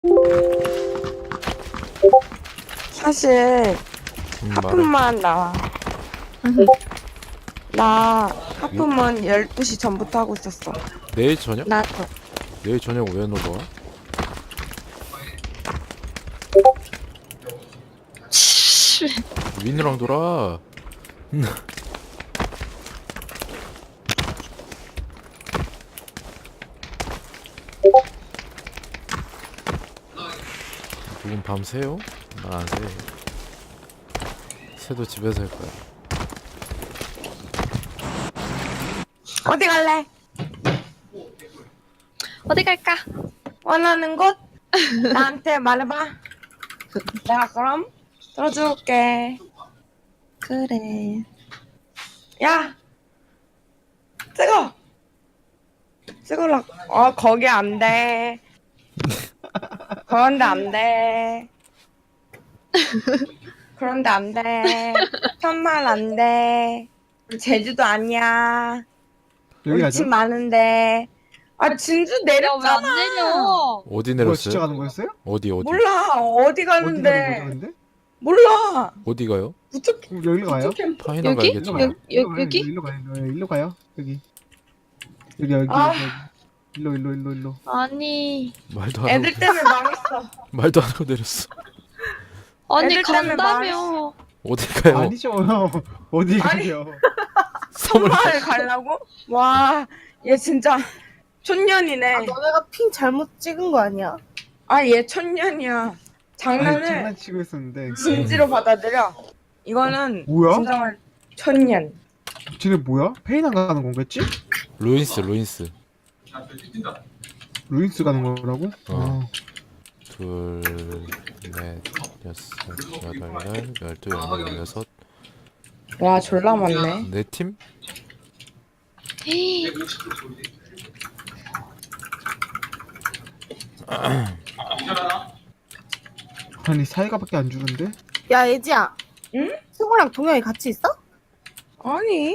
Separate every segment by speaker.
Speaker 1: 사실
Speaker 2: 말해.
Speaker 1: 하품만 나와. 나 하품은 12시 전부터 하고 있었어.
Speaker 2: 내일 저녁?
Speaker 1: 나도.
Speaker 2: 내일 저녁 왜 놀러 와? 윈이랑 놀아. 누군 밤 새요? 난 안 새. 새도 집에서 할 거야.
Speaker 1: 어디 갈래?
Speaker 3: 어디 갈까?
Speaker 1: 원하는 곳? 나한테 말해봐. 내가 그럼 들어줄게.
Speaker 3: 그래.
Speaker 1: 야! 찍으라. 거기 안 돼. 그런데 안 돼. 그런데 안 돼. 천만 안 돼. 우리 제주도 아니야.
Speaker 4: 여기
Speaker 1: 우리
Speaker 4: 가죠?
Speaker 1: 집 많은데. 아, 진주
Speaker 3: 야, 왜 안
Speaker 1: 내렸잖아.
Speaker 3: 내려?
Speaker 2: 어디
Speaker 4: 뭐야,
Speaker 2: 내렸어요?
Speaker 4: 진짜 가는 거였어요?
Speaker 2: 어디?
Speaker 1: 몰라. 어디
Speaker 4: 어디 가는 거죠,
Speaker 1: 가는데.
Speaker 4: 근데?
Speaker 1: 몰라.
Speaker 2: 어디 가요?
Speaker 1: 부쩍
Speaker 4: 그럼 여기로 가요?
Speaker 1: 캠프.
Speaker 2: 파이나
Speaker 3: 여기?
Speaker 2: 가야겠죠.
Speaker 3: 여기?
Speaker 4: 일로 가요. 일로 가요. 여기. 여기.
Speaker 1: 아.
Speaker 4: 일로.
Speaker 3: 아니.
Speaker 2: 말도 안 하고
Speaker 1: 애들 때문에 망했어.
Speaker 2: 말도 안 하고 내렸어.
Speaker 3: 아니,
Speaker 1: 애들 때문에
Speaker 3: 간다며.
Speaker 2: 어디 가요?
Speaker 4: 아니죠. 어디 가요?
Speaker 1: 선마을 가려고? 와, 얘 진짜 촌년이네.
Speaker 5: 너네가 핑 잘못 찍은 거 아니야?
Speaker 1: 아, 얘 촌년이야.
Speaker 4: 아니,
Speaker 1: 장난을
Speaker 4: 장난치고 있었는데.
Speaker 1: 진지로 받아들여. 이거는
Speaker 4: 뭐야?
Speaker 1: 진정한 촌년.
Speaker 4: 쟤네 뭐야? 페이난 가는 건겠지?
Speaker 2: 루인스.
Speaker 4: 루인스 가는 거라고?
Speaker 2: 어. 둘, 넷, 여섯, 여덟, 열두, 열여섯.
Speaker 1: 와, 졸라 많네.
Speaker 2: 네 팀?
Speaker 3: 헤이.
Speaker 4: 아니, 사이가밖에 안 주는데?
Speaker 5: 야, 예지야.
Speaker 1: 응?
Speaker 5: 승우랑 동영이 같이 있어?
Speaker 1: 아니,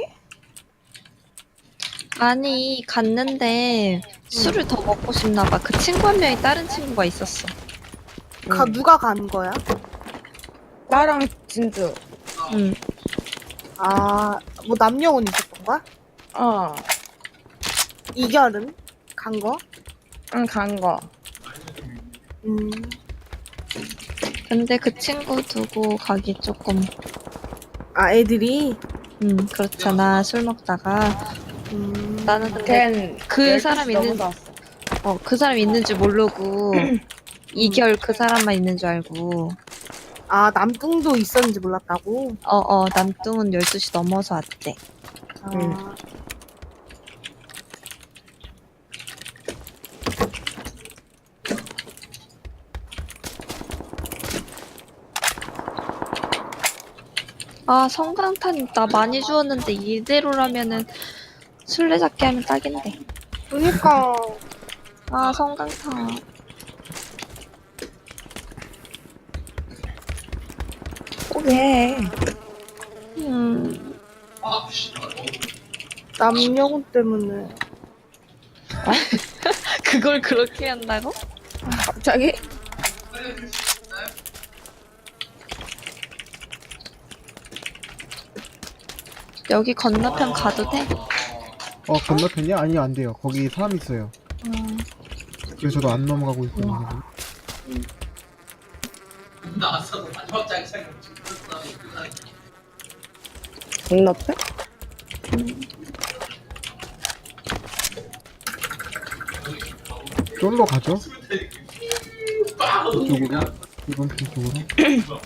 Speaker 3: 아니, 갔는데 술을 더 먹고 싶나 봐. 그 친구 한 명이 다른 친구가 있었어.
Speaker 5: 누가 간 거야?
Speaker 1: 나랑 진주.
Speaker 3: 응.
Speaker 5: 아, 뭐 남녀운 있었던 거야?
Speaker 1: 어,
Speaker 5: 이결은? 간 거?
Speaker 1: 응, 간 거.
Speaker 5: 음,
Speaker 3: 근데 그 친구 두고 가기 조금,
Speaker 5: 애들이?
Speaker 3: 그렇잖아. 술 먹다가. 나는 근데
Speaker 1: 걘
Speaker 3: 그
Speaker 1: 12시
Speaker 3: 사람 있는-
Speaker 1: 넘어서 왔어.
Speaker 3: 그 사람 있는 줄 모르고 이결 그 사람만 있는 줄 알고
Speaker 5: 남뚱도 있었는지 몰랐다고?
Speaker 3: 남뚱은 12시 넘어서 왔대.
Speaker 5: 아,
Speaker 3: 아, 성강탄 나 많이 주웠는데 이대로라면은 술래잡기 하면 딱인데.
Speaker 5: 그니까.
Speaker 3: 아, 성강탄.
Speaker 1: 왜?
Speaker 5: 남녀운 때문에.
Speaker 3: 그걸 그렇게 한다고?
Speaker 1: 갑자기?
Speaker 3: 여기 건너편 가도 돼?
Speaker 4: 건너편이야? 아니요, 안 돼요. 거기 사람 있어요. 그래서 저도 안 넘어가고 있거든요.
Speaker 1: 건너편?
Speaker 4: 쫄로 가죠? 이쪽으로? 이번 편 쪽으로?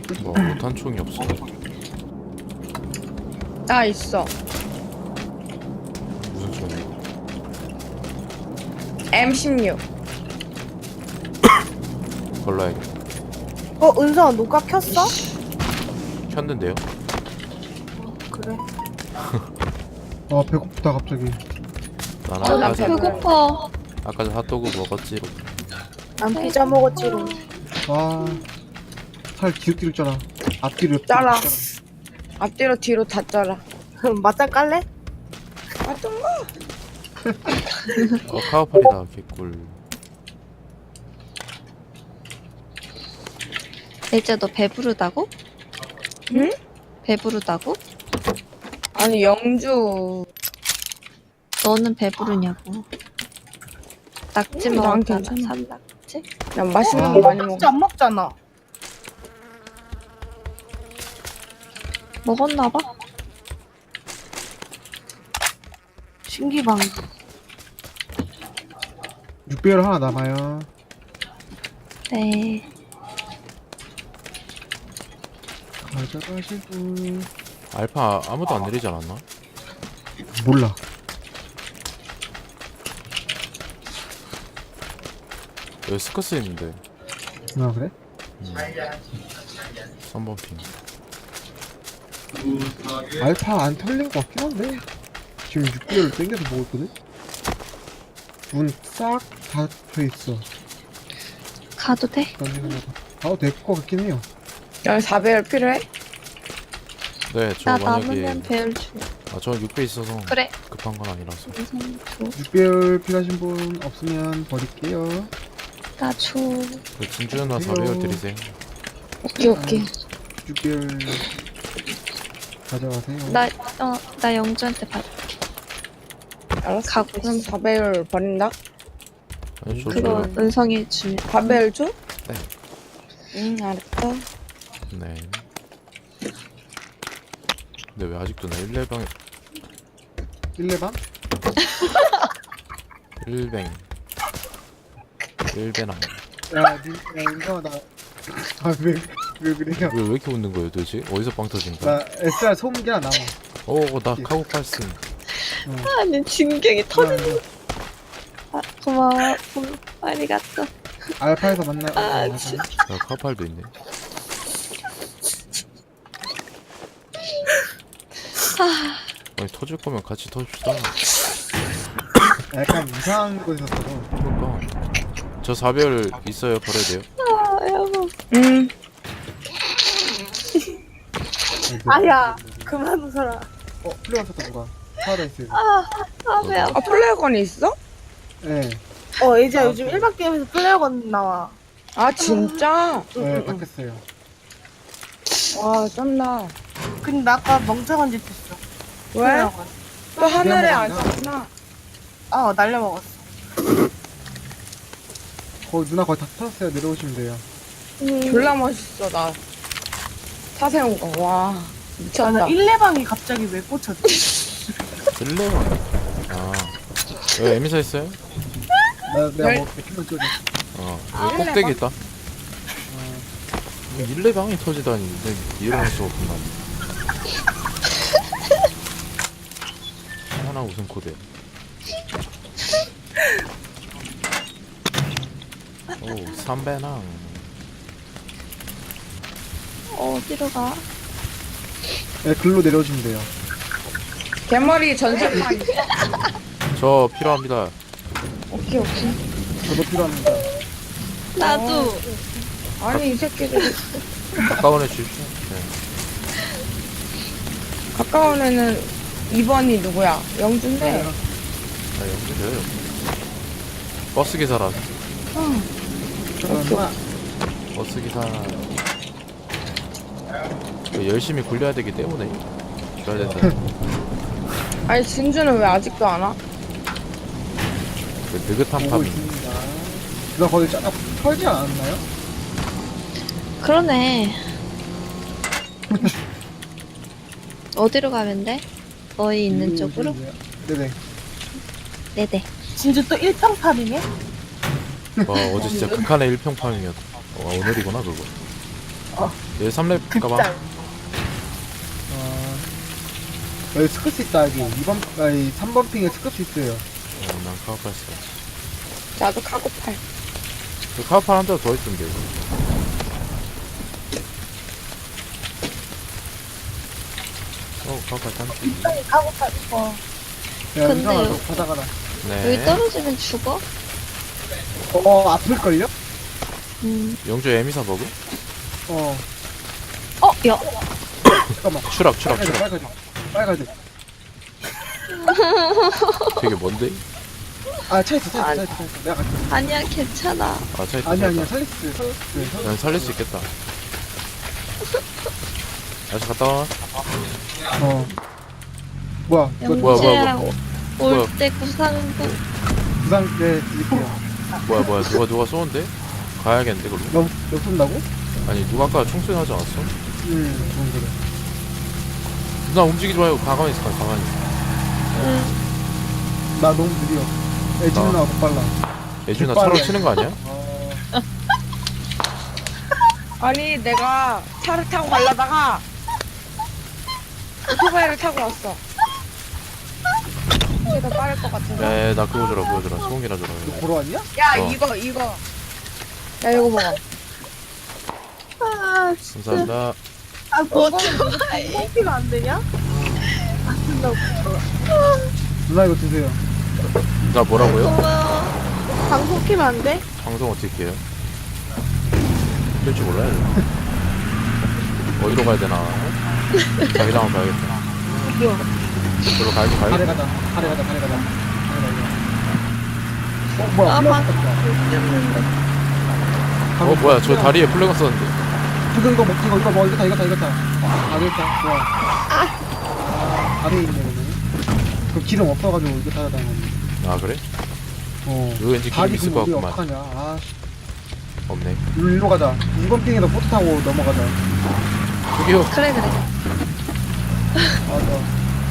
Speaker 2: 뭐 못한 총이 없어.
Speaker 1: 나 있어.
Speaker 2: 무슨 총이?
Speaker 1: M16.
Speaker 2: 걸러야겠다.
Speaker 5: 은성아 녹화 켰어?
Speaker 2: 켰는데요?
Speaker 5: 그래.
Speaker 4: 배고프다 갑자기.
Speaker 2: 나는
Speaker 1: 나
Speaker 2: 아까 전
Speaker 3: 배고파.
Speaker 2: 아까 전 핫도그 먹었지.
Speaker 5: 난 피자 먹었지롱.
Speaker 4: 살 뒤로 짜라. 앞뒤로
Speaker 1: 짜라. 앞뒤로 뒤로 다 짜라.
Speaker 5: 그럼 맞짱 깔래?
Speaker 1: 어떤 거?
Speaker 2: 카우팔이다 개꿀.
Speaker 3: 이제 너 배부르다고?
Speaker 1: 응?
Speaker 3: 배부르다고?
Speaker 1: 아니 영주.
Speaker 3: 너는 배부르냐고. 낙지
Speaker 1: 난
Speaker 3: 먹었잖아.
Speaker 1: 괜찮아.
Speaker 3: 산낙지?
Speaker 1: 난 맛있는 거 많이 먹어.
Speaker 5: 진짜 안 먹잖아.
Speaker 3: 먹었나봐.
Speaker 5: 신기방.
Speaker 4: 6배열 하나 남아요.
Speaker 3: 네.
Speaker 4: 가져가시고.
Speaker 2: 알파 아무도 안 내리지 않았나?
Speaker 4: 몰라.
Speaker 2: 여기 스커스 있는데.
Speaker 4: 그래?
Speaker 2: 3번 핑.
Speaker 4: 알파 안 털린 것 같긴 한데 지금 6개월을 땡겨서 먹었거든? 문 싹 닫혀있어.
Speaker 3: 가도 돼?
Speaker 4: 가도 될 것 같긴 해요.
Speaker 1: 야 4배열 필요해?
Speaker 2: 네, 저
Speaker 3: 나
Speaker 2: 만약에
Speaker 3: 남으면 배열 줘.
Speaker 2: 저 6배 있어서
Speaker 3: 그래.
Speaker 2: 급한 건 아니라서.
Speaker 3: 우선 줘.
Speaker 4: 6개월 필요하신 분 없으면 버릴게요.
Speaker 3: 나 줘.
Speaker 2: 그 진주 누나 4배열 드리세요.
Speaker 1: 오케이.
Speaker 4: 6개월 가져가세요.
Speaker 3: 나 영주한테 받.
Speaker 1: 알았어.
Speaker 3: 가고
Speaker 1: 그럼
Speaker 3: 있어.
Speaker 1: 4배열 버린다?
Speaker 2: 아니,
Speaker 3: 그거 은성이 주면.
Speaker 1: 4배열 줘?
Speaker 2: 네.
Speaker 1: 응 알았어.
Speaker 2: 네. 근데 왜 아직도 나 1레방에
Speaker 4: 1레방?
Speaker 2: 1뱅 1배나
Speaker 4: 야, 인성아, 왜 그래요?
Speaker 2: 왜 이렇게 웃는 거예요 도대체? 어디서 빵 터진 거야?
Speaker 4: 나 SR 소음기 하나 남아.
Speaker 2: 나 카고 팔슨.
Speaker 3: 아니 진경이 터진.
Speaker 4: 나
Speaker 3: 고마워. 아리가또.
Speaker 4: 알파에서 만나.
Speaker 3: 진짜.
Speaker 2: 카고팔도 있네. 아니 터질 거면 같이 터줍시다.
Speaker 4: 약간 이상한 곳에서 써서.
Speaker 2: 그러니까 저 4배열 있어요. 버려야 돼요.
Speaker 3: 여보.
Speaker 1: 응.
Speaker 5: 아야, 그만 웃어라.
Speaker 4: 플레이어 썼다 누가? 파라다이스.
Speaker 3: 배 아파.
Speaker 1: 플레어건이 있어?
Speaker 4: 네.
Speaker 5: 이제 요즘 일반 게임에서 플레이어건 나와.
Speaker 1: 아 진짜?
Speaker 4: 네, 바뀌었어요.
Speaker 1: 와 쩐다.
Speaker 5: 근데 나 아까 멍청한 짓 했어.
Speaker 1: 왜?
Speaker 5: 플레이어건.
Speaker 1: 또 하늘에 안
Speaker 4: 미안합니다.
Speaker 1: 쐈구나.
Speaker 5: 날려먹었어.
Speaker 4: 누나 거의 다 터졌어요. 내려오시면 돼요.
Speaker 1: 졸라 멋있어 나. 차 세운 거. 와 미쳤다.
Speaker 5: 나는 1레방이 갑자기 왜 꽂혔지?
Speaker 2: 1레방. 여기 에미사 있어요?
Speaker 4: 내가
Speaker 1: 열-
Speaker 4: 먹을게. 큐만 껴줘.
Speaker 2: 여기 꼭대기 있다. 1레방이 터지다니 이해할 수가 없구나. 하나 우승 코드. 오 3배낭.
Speaker 3: 어디로 가?
Speaker 4: 네, 글로 내려오시면 돼요.
Speaker 1: 개머리 전세판.
Speaker 2: 저 필요합니다.
Speaker 1: 오케이.
Speaker 4: 저도 필요합니다.
Speaker 3: 나도.
Speaker 1: 아니 이 새끼들
Speaker 2: 가까운 애 주십시오. 네.
Speaker 1: 가까운 애는 2번이 누구야? 영준데.
Speaker 2: 연결돼요. 버스 기사라.
Speaker 4: 잠깐만.
Speaker 2: 버스 기사. 열심히 굴려야 되기 때문에 줘야 된다.
Speaker 1: 아니 진주는 왜 아직도 안 와?
Speaker 2: 그 느긋한
Speaker 4: 보고
Speaker 2: 파밍.
Speaker 4: 있습니다. 누나 거기 털지 않았나요?
Speaker 3: 그러네. 어디로 가면 돼? 너희 있는 쪽으로?
Speaker 4: 네네.
Speaker 3: 네네.
Speaker 5: 진짜 또 1평탑이네?
Speaker 2: 와 어제 진짜 극한의 1평 파밍이었다. 오늘이구나 그거. 얘 3렙 가봐.
Speaker 5: 극장.
Speaker 4: 여기 스크스 있다 여기 2번 아니 3번 핑에 스크스 있어요.
Speaker 2: 난 카우팔 써.
Speaker 1: 나도 카고팔.
Speaker 2: 그 카우팔 한 대 더 있던데. 이거. 카우팔 딴지.
Speaker 5: 극장이 가고 싶어.
Speaker 4: 야
Speaker 3: 근데
Speaker 4: 이상아 너
Speaker 3: 요-
Speaker 4: 받아가라.
Speaker 2: 네.
Speaker 3: 여기 떨어지면 죽어?
Speaker 4: 아플걸요?
Speaker 2: 영주 에미사 버그?
Speaker 4: 어
Speaker 3: 야.
Speaker 4: 잠깐만
Speaker 2: 추락.
Speaker 4: 빨가지
Speaker 2: 되게 먼데?
Speaker 4: 차 있어 내가 갈게.
Speaker 3: 아니야, 괜찮아.
Speaker 2: 아, 차 있다.
Speaker 4: 아니야 살렸어.
Speaker 2: 난 살릴 수 있겠다. 다시 갔다 와.
Speaker 4: 뭐야 이거
Speaker 2: 뭐야.
Speaker 3: 영재야,
Speaker 2: 뭐야.
Speaker 3: 올 때 구상구.
Speaker 4: 부상 네 드릴게요.
Speaker 2: 뭐야. 누가 쏘는데? 가야겠는데, 그걸로?
Speaker 4: 너 쏜다고?
Speaker 2: 아니, 누가 아까 총소리 하지 않았어?
Speaker 4: 좋은 거래.
Speaker 2: 누나 움직이지 말고 가만히 있어, 가만히 있어.
Speaker 4: 나 너무 느려. 애지는 나와 더 빨라.
Speaker 2: 예준아
Speaker 4: 빨라.
Speaker 2: 차로 치는 거 아니야?
Speaker 1: 아니 내가 차를 타고 가려다가 오토바이를 타고 왔어. 이게 더 빠를 것 같은데.
Speaker 2: 야, 나 그거 줘라. 소음기나 줘라.
Speaker 4: 너 보러 왔냐?
Speaker 1: 야
Speaker 2: 어.
Speaker 1: 이거. 야 이거 먹어.
Speaker 5: 아,
Speaker 2: 감사합니다.
Speaker 5: 뭐, 뽑히면 안 되냐? 안 된다고.
Speaker 4: 누나 이거 드세요.
Speaker 2: 나 뭐라고요?
Speaker 3: 고마워.
Speaker 5: 방송 키면 안 돼?
Speaker 2: 방송 어떻게 해요? 할 줄 몰라요. 어디로 가야 되나? 자기장을 가야겠다. 저로 가야지.
Speaker 4: 가래 가자. 뭐야?
Speaker 3: 아,
Speaker 4: 플래그 떴다.
Speaker 2: 뭐야, 저 다리에 플래그 썼는데.
Speaker 4: 이거 먹 이거 다. 됐다. 좋아. 아래에 있네 그러면. 그 기름 없어가지고 이거 타다 다니는.
Speaker 2: 아, 그래? 이거 왠지 기름
Speaker 4: 다리
Speaker 2: 있을 것
Speaker 4: 우리
Speaker 2: 같구만.
Speaker 4: 어떡하냐. 아,
Speaker 2: 없네.
Speaker 4: 일로 가자. 2번 핑에다 보트 타고 넘어가자.
Speaker 2: 저기요.
Speaker 3: 그래.
Speaker 4: 맞아.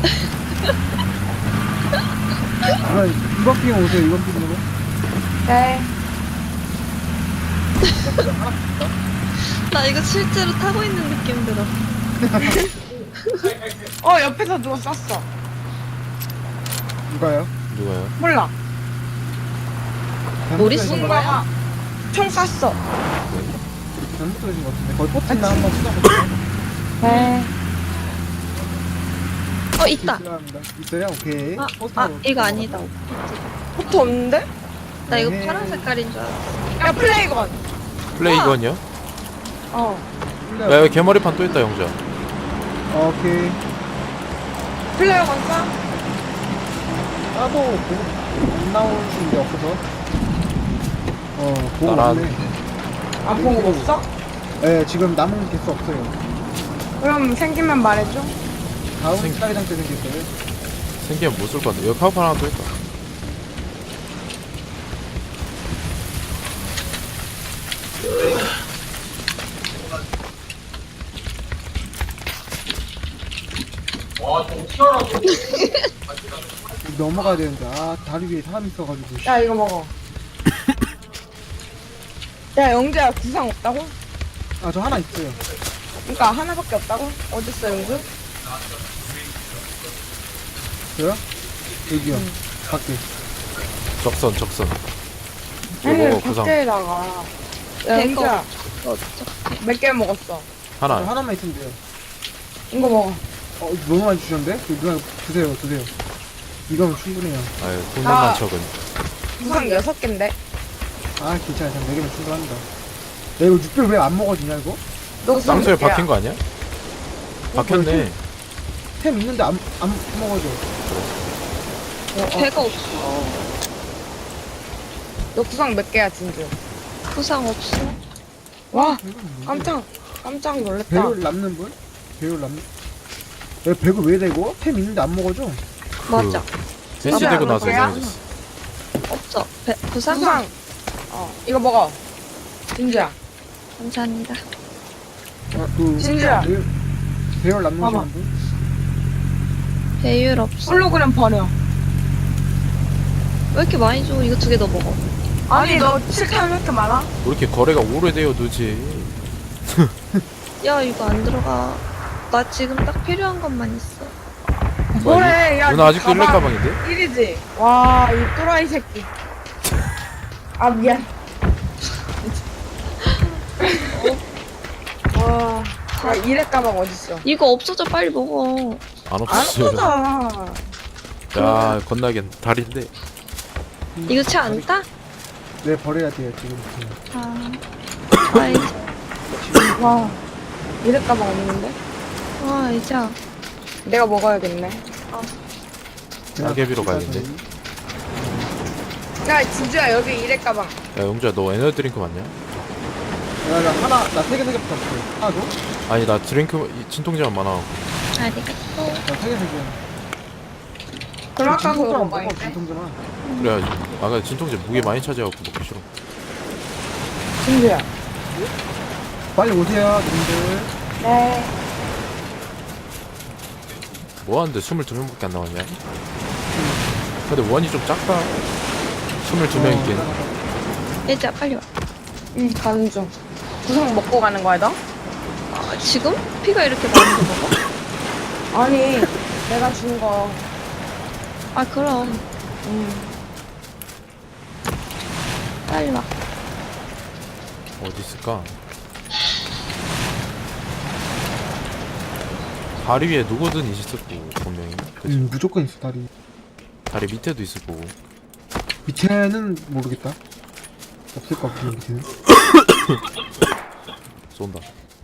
Speaker 4: 그럼 2번 핑에 오세요. 2번 핑으로.
Speaker 1: 네.
Speaker 3: 나 이거 실제로 타고 있는 느낌 들어.
Speaker 1: 옆에서 누가 쐈어.
Speaker 4: 누가요?
Speaker 2: 누가요?
Speaker 1: 몰라.
Speaker 3: 머리
Speaker 4: 잘못
Speaker 3: 쏜
Speaker 4: 들으신 거
Speaker 1: 누가 총 쐈어.
Speaker 4: 잘못 들으신 것 같은데. 거기 보트 있나 한번 찾아볼게요.
Speaker 1: 네.
Speaker 3: 있다.
Speaker 4: 필요합니다. 있어요? 오케이. 포스트
Speaker 3: 이거 아니다.
Speaker 1: 포트 없는데?
Speaker 3: 나 이거
Speaker 4: 네.
Speaker 3: 파란 색깔인 줄 알았어.
Speaker 1: 야 플레이건.
Speaker 2: 플레이건이요?
Speaker 1: 어.
Speaker 2: 야, 여기 개머리판 또 있다, 영자.
Speaker 4: 오케이.
Speaker 1: 플레이건 쏴?
Speaker 4: 나도 보고 안 나오는 게 없어서. 보고
Speaker 2: 나란.
Speaker 4: 없네.
Speaker 1: 안 보고 없어?
Speaker 4: 네, 지금 남은 개수 없어요.
Speaker 1: 그럼 생기면 말해줘.
Speaker 4: 다음
Speaker 2: 생-
Speaker 4: 스타일장 때 생겼어요.
Speaker 2: 생기면 못 쏠 것 같은데. 여기 카우팔 하나 또 있다.
Speaker 4: 넘어가야 되는데, 다리 위에 사람 있어가지고. 씨.
Speaker 1: 야 이거 먹어. 야 영재야 구상 없다고?
Speaker 4: 저 하나 있어요.
Speaker 1: 그러니까 하나밖에 없다고? 어딨어 영주?
Speaker 4: 저요? 여기요. 밖에.
Speaker 2: 적선. 이거
Speaker 1: 아니
Speaker 2: 먹어, 구상.
Speaker 1: 밖에다가. 야 영주야 몇 개 먹었어?
Speaker 2: 하나.
Speaker 4: 하나만 있으면 돼요.
Speaker 1: 이거 먹어.
Speaker 4: 너무 많이 주셨는데? 누나 드세요. 이거면 충분해요.
Speaker 2: 아유, 돈만 척은.
Speaker 1: 구상 6개인데?
Speaker 4: 괜찮아요. 4개면 충분합니다. 야, 이거 6개를 왜 안 먹어지냐, 이거?
Speaker 1: 너 구상
Speaker 2: 쌍소에
Speaker 1: 몇 개야?
Speaker 2: 박힌 거 아니야? 박혔네.
Speaker 4: 템 있는데 안 먹어져.
Speaker 3: 배가 없어.
Speaker 1: 너 구상 몇 개야 진주?
Speaker 3: 구상 없어.
Speaker 1: 와
Speaker 4: 깜짝.
Speaker 1: 깜짝 놀랐다.
Speaker 4: 배율 남는 분? 배율 남는. 야, 배율 왜 되고? 템 있는데 안 먹어져?
Speaker 3: 맞아.
Speaker 2: 센시되고 나서
Speaker 1: 뭐야?
Speaker 2: 이상해졌어.
Speaker 3: 없어. 구상?
Speaker 1: 구상 이거 먹어 진주야.
Speaker 3: 감사합니다.
Speaker 1: 진주야
Speaker 4: 배율 남는
Speaker 1: 봐봐.
Speaker 4: 분?
Speaker 3: 배율 없어.
Speaker 1: 홀로그램 버려.
Speaker 3: 왜 이렇게 많이 줘? 이거 2개 더 먹어.
Speaker 1: 아니 너 칠탄 왜 이렇게 많아?
Speaker 2: 왜 이렇게 거래가 오래돼요, 도대체.
Speaker 3: 야 이거 안 들어가. 나 지금 딱 필요한 것만 있어.
Speaker 1: 뭐래? 야,
Speaker 2: 누나 아직도 일렉
Speaker 1: 가방
Speaker 2: 가방인데?
Speaker 1: 1이지? 와, 이 또라이 새끼. 아, 미안. 와, 야, 일렉 가방 어딨어?
Speaker 3: 이거 없어져 빨리 먹어.
Speaker 2: 안
Speaker 1: 안
Speaker 2: 없었어요.
Speaker 1: 쏟아.
Speaker 2: 야 건나긴 다리인데.
Speaker 3: 이거 차 안 타?
Speaker 4: 네, 버려야 돼요, 지금.
Speaker 3: 아. 아이.
Speaker 1: 와, 일렉 가방 없는데?
Speaker 3: 와 이제.
Speaker 1: 내가 먹어야겠네.
Speaker 2: 날개비로 가야겠네.
Speaker 1: 야, 진주야, 여기 일렉 가방.
Speaker 2: 야 용주야 너 에너지 드링크 맞냐?
Speaker 4: 야, 나 3개 붙었어. 하나 줘?
Speaker 2: 아니 나 드링크 진통제만 많아.
Speaker 3: 알겠어.
Speaker 4: 나 3개.
Speaker 1: 그럼 아까 그거
Speaker 4: 먹어,
Speaker 1: 먹어야겠네.
Speaker 4: 진통제만.
Speaker 2: 그래야지. 아까 진통제 무게 많이 차지하고 먹기 싫어.
Speaker 1: 진주야.
Speaker 4: 빨리 오세요, 님들.
Speaker 1: 네.
Speaker 2: 뭐하는데 22명밖에 안 나왔냐? 근데 원이 좀 작다. 22명 있긴.
Speaker 3: 예지야 빨리 와.
Speaker 1: 응, 가는 중. 구성 먹고 가는 거야, 너?
Speaker 3: 아, 지금? 피가 이렇게 많은 거 먹어?
Speaker 1: 아니, 내가 준 거.
Speaker 3: 아 그럼 빨리 와.
Speaker 2: 어디 있을까? 다리 위에 누구든 있을 거고 분명히. 그치?
Speaker 4: 무조건 있어, 다리.
Speaker 2: 다리 밑에도 있을 거고.
Speaker 4: 밑에는 모르겠다. 없을 것 같은데, 밑에는.
Speaker 2: 쏜다.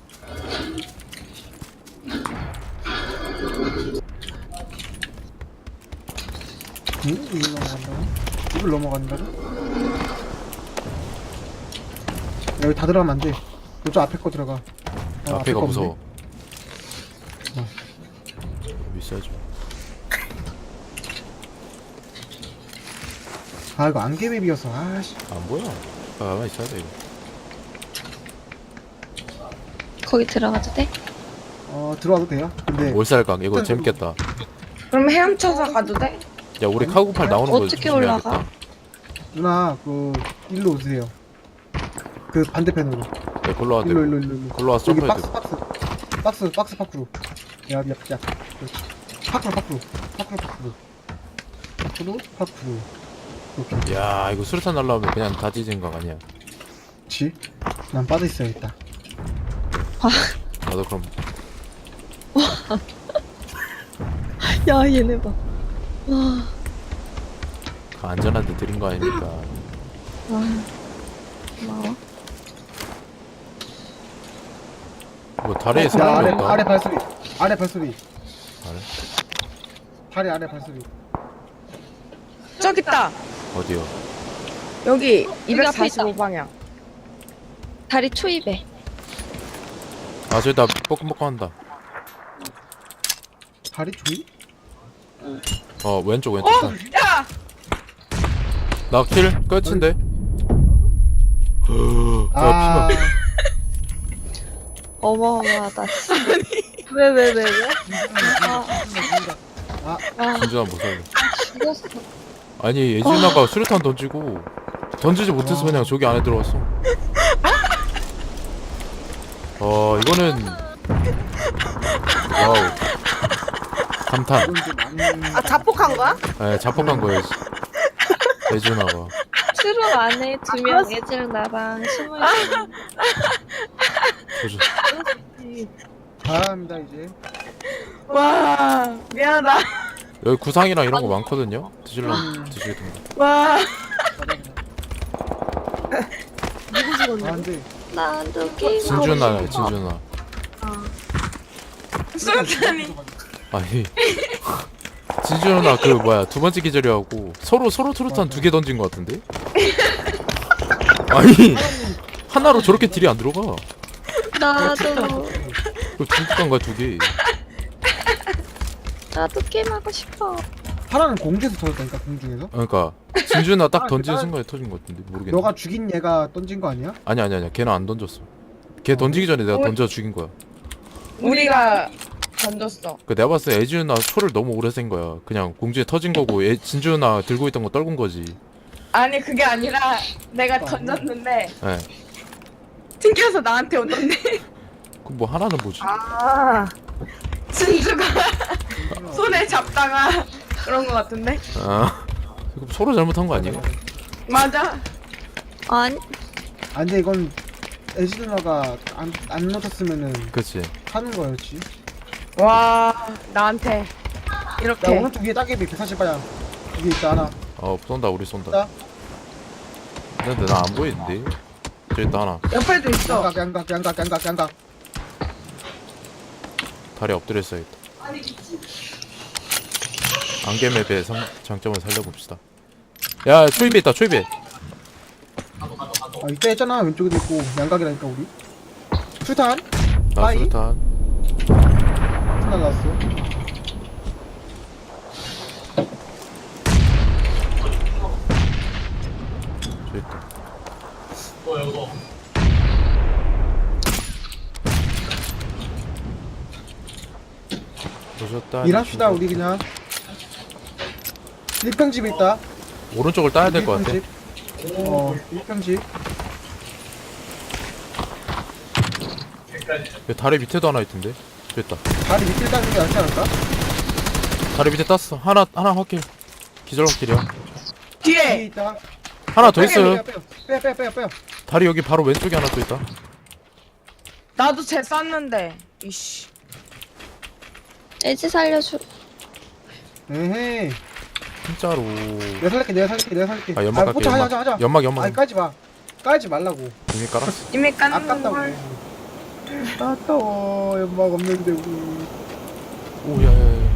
Speaker 4: 응? 이걸 넘어간다고? 이걸 넘어간다고? 여기 다 들어가면 안 돼. 이쪽 앞에 거 들어가.
Speaker 2: 앞에가
Speaker 4: 거
Speaker 2: 무서워.
Speaker 4: 어.
Speaker 2: 있어야죠.
Speaker 4: 아, 이거 안개맵이어서, 아씨.
Speaker 2: 안 보여. 가만히 있어야 돼 이거.
Speaker 3: 거기 들어가도 돼?
Speaker 4: 들어와도 돼요? 근데,
Speaker 2: 올살강 이거 재밌겠다.
Speaker 1: 그럼 헤엄쳐서 가도 돼?
Speaker 2: 야 우리 카구팔 나오는 거
Speaker 3: 어떻게
Speaker 2: 조심해야겠다.
Speaker 3: 올라가?
Speaker 4: 누나, 일로 오세요. 그 반대편으로.
Speaker 2: 네 걸로 와.
Speaker 4: 일로.
Speaker 2: 걸로 와서
Speaker 4: 여기
Speaker 2: 점프해야 돼.
Speaker 4: 박스 밖으로. 야. 밖으로. 이렇게.
Speaker 2: 야 이거 수류탄 날라오면 그냥 다 찢은 거 아니야?
Speaker 4: 그치? 난 빠져 있어야겠다.
Speaker 2: 나도 그럼
Speaker 3: 야 얘네 봐. 와.
Speaker 2: 그 안전한 데 들인 거 아닙니까?
Speaker 3: 와. 고마워.
Speaker 2: 뭐 다리에
Speaker 4: 야,
Speaker 2: 사람이 없다.
Speaker 4: 아래 발소리. 아래.
Speaker 2: 아래?
Speaker 4: 다리 아래 발소리.
Speaker 1: 저기 있다.
Speaker 2: 어디요?
Speaker 1: 여기
Speaker 3: 여기 앞에
Speaker 1: 245방향.
Speaker 3: 다리 초입에.
Speaker 2: 아 저기 나 뻐끔뻐끔 한다.
Speaker 4: 다리 조이?
Speaker 2: 왼쪽
Speaker 1: 야!
Speaker 2: 나 킬 끝인데. 야
Speaker 4: 아,
Speaker 2: 피만.
Speaker 3: 어마어마하다. 왜? 아
Speaker 2: 진주나 못 살려.
Speaker 3: 죽었어.
Speaker 2: 아니 예진아가 수류탄 던지고 던지지 못해서 그냥 저기 안에 들어왔어. 이거는 와우 감탄.
Speaker 4: 이건 좀 안.
Speaker 5: 아, 자폭한 거야?
Speaker 2: 에 자폭한 거예요. 예진아가.
Speaker 3: 트럭 안에 2명 예지랑 나랑 숨어있어.
Speaker 2: 조심.
Speaker 4: 잘합니다, 이제.
Speaker 1: 와, 미안하다.
Speaker 2: 여기 구상이랑 이런 거 많거든요. 드시겠습니다.
Speaker 1: 와.
Speaker 5: 누구 죽었냐?
Speaker 4: 근데.
Speaker 3: 나도 게임.
Speaker 2: 진준아.
Speaker 1: 수류탄이.
Speaker 2: 아니 진준아 그 뭐야 두 번째 기절이하고 서로 수류탄 2개 던진 거 같은데? 아니 하나로 저렇게 딜이 안 들어가.
Speaker 3: 나도
Speaker 2: 그 중국간가 2개.
Speaker 3: 나도 게임하고 싶어.
Speaker 4: 하나는 공중에서 터졌다니까, 공중에서.
Speaker 2: 그러니까 진준아 딱 던지는 순간에 터진 거 같은데 모르겠네.
Speaker 4: 너가 죽인 얘가 던진 거 아니야?
Speaker 2: 아니야 걔는 안 던졌어. 걔 던지기 전에 내가 던져 죽인 거야.
Speaker 1: 우리가 던졌어.
Speaker 2: 그 내가 봤을 때 애지은아 초를 너무 오래 센 거야. 그냥 공중에 터진 거고 진준아 들고 있던 거 떨군 거지.
Speaker 1: 아니, 그게 아니라 내가 던졌는데
Speaker 2: 예.
Speaker 1: 튕겨서 나한테 오던데.
Speaker 2: 그 뭐 하나는 뭐지?
Speaker 5: 아,
Speaker 1: 진주가 손에 잡다가 그런 거 같은데?
Speaker 2: 아 이거 서로 잘못한 거 아니에요?
Speaker 1: 맞아.
Speaker 3: 아니,
Speaker 4: 아 근데 이건 에지 누나가 안 놓쳤으면은
Speaker 2: 그치.
Speaker 4: 하는 거였지.
Speaker 1: 와, 나한테
Speaker 4: 야
Speaker 1: 이렇게.
Speaker 4: 오른쪽 위에 따개비 140방향 위에 있다 하나.
Speaker 2: 쏜다 우리 쏜다.
Speaker 4: 나
Speaker 2: 근데 나 안 보이는데. 저기 있다 하나.
Speaker 1: 옆에도 있어.
Speaker 4: 양각.
Speaker 2: 다리 엎드려 있어야겠다. 안개맵의 장점을 살려봅시다. 야 초입에 있다 초입에.
Speaker 4: 아 이때 했잖아. 왼쪽에도 있고 양각이라니까 우리. 수탄
Speaker 2: 나
Speaker 4: 빠이?
Speaker 2: 수류탄.
Speaker 4: 수탄 나왔어.
Speaker 2: 저기 있다. 보셨다.
Speaker 4: 일합시다 우리 그냥. 1평집에 있다.
Speaker 2: 오른쪽을 따야 될 것 같아.
Speaker 4: 1평집.
Speaker 2: 여기 다리 밑에도 하나 있던데. 저기 있다.
Speaker 4: 다리 밑에 따는 게 낫지 않을까?
Speaker 2: 다리 밑에 땄어. 하나 확킬. 기절 확킬이야.
Speaker 4: 뒤에
Speaker 1: 뒤에
Speaker 4: 있다.
Speaker 2: 하나 더 있어요.
Speaker 4: 빼요.
Speaker 2: 다리 여기 바로 왼쪽에 하나 또 있다.
Speaker 1: 나도 쟤 쐈는데. 이씨.
Speaker 3: 애지 살려줘.
Speaker 4: 에헤이.
Speaker 2: 진짜로.
Speaker 4: 내가 살릴게.
Speaker 2: 아 연막 갈게.
Speaker 4: 포차 하자.
Speaker 2: 연막.
Speaker 4: 아니 까지 마. 까지 말라고.
Speaker 2: 이미 깔았어.
Speaker 1: 이미 깠는
Speaker 4: 아깝다고.
Speaker 1: 걸.
Speaker 4: 아까워. 연막 없는데 우리.
Speaker 2: 오야야야.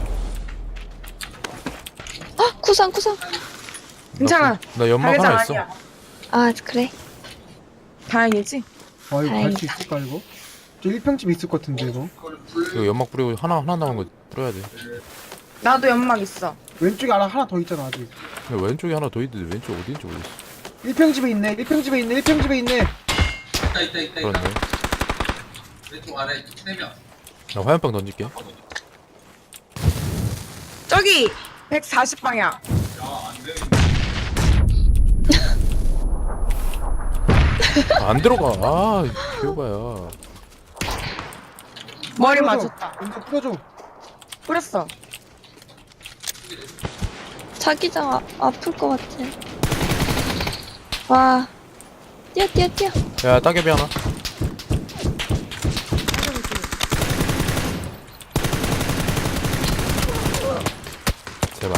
Speaker 3: 아, 구상.
Speaker 1: 괜찮아.
Speaker 2: 나 연막
Speaker 1: 자기장
Speaker 2: 하나 있어.
Speaker 1: 아니야.
Speaker 3: 아, 그래.
Speaker 1: 다행이지.
Speaker 4: 아 이거 갈
Speaker 3: 다행이다.
Speaker 4: 수 있을까 이거? 저 1평집 있을 것 같은데 이거.
Speaker 2: 이거 연막 뿌리고 하나 남은 거 뿌려야 돼.
Speaker 1: 나도 연막 있어.
Speaker 4: 왼쪽에 하나 더 있잖아 아직.
Speaker 2: 근데 왼쪽에 하나 더 있는데 왼쪽 어디인지 모르겠어.
Speaker 4: 1평집에 있네. 1평집에 있네.
Speaker 2: 그렇네.
Speaker 6: 왼쪽 아래 3명.
Speaker 2: 나 화염병 던질게.
Speaker 1: 저기 140방향.
Speaker 2: 안 들어가. 아 기호가야.
Speaker 1: 머리
Speaker 4: 풀어줘.
Speaker 1: 맞았다.
Speaker 4: 왼쪽 풀어줘.
Speaker 1: 뿌렸어.
Speaker 3: 자기장 아플 것 같아. 와. 뛰어.
Speaker 2: 야 따개비 하나. 제발.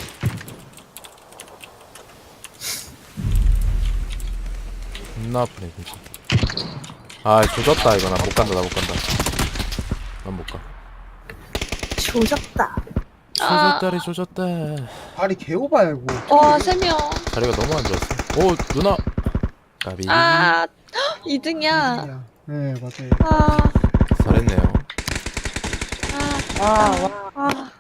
Speaker 2: 겁나 아프네 진짜. 아 조졌다 이거. 나 못 간다. 난 못 가.
Speaker 5: 조졌다.
Speaker 2: 조졌다리 조졌다.
Speaker 4: 발이 개오바야 이거.
Speaker 3: 와, 3명.
Speaker 2: 다리가 너무 안 좋았어. 오 누나. 까비.
Speaker 3: 아, 2등이야.
Speaker 4: 네 맞아요.
Speaker 3: 아,
Speaker 2: 잘했네요.
Speaker 1: 와, 와.
Speaker 3: 아.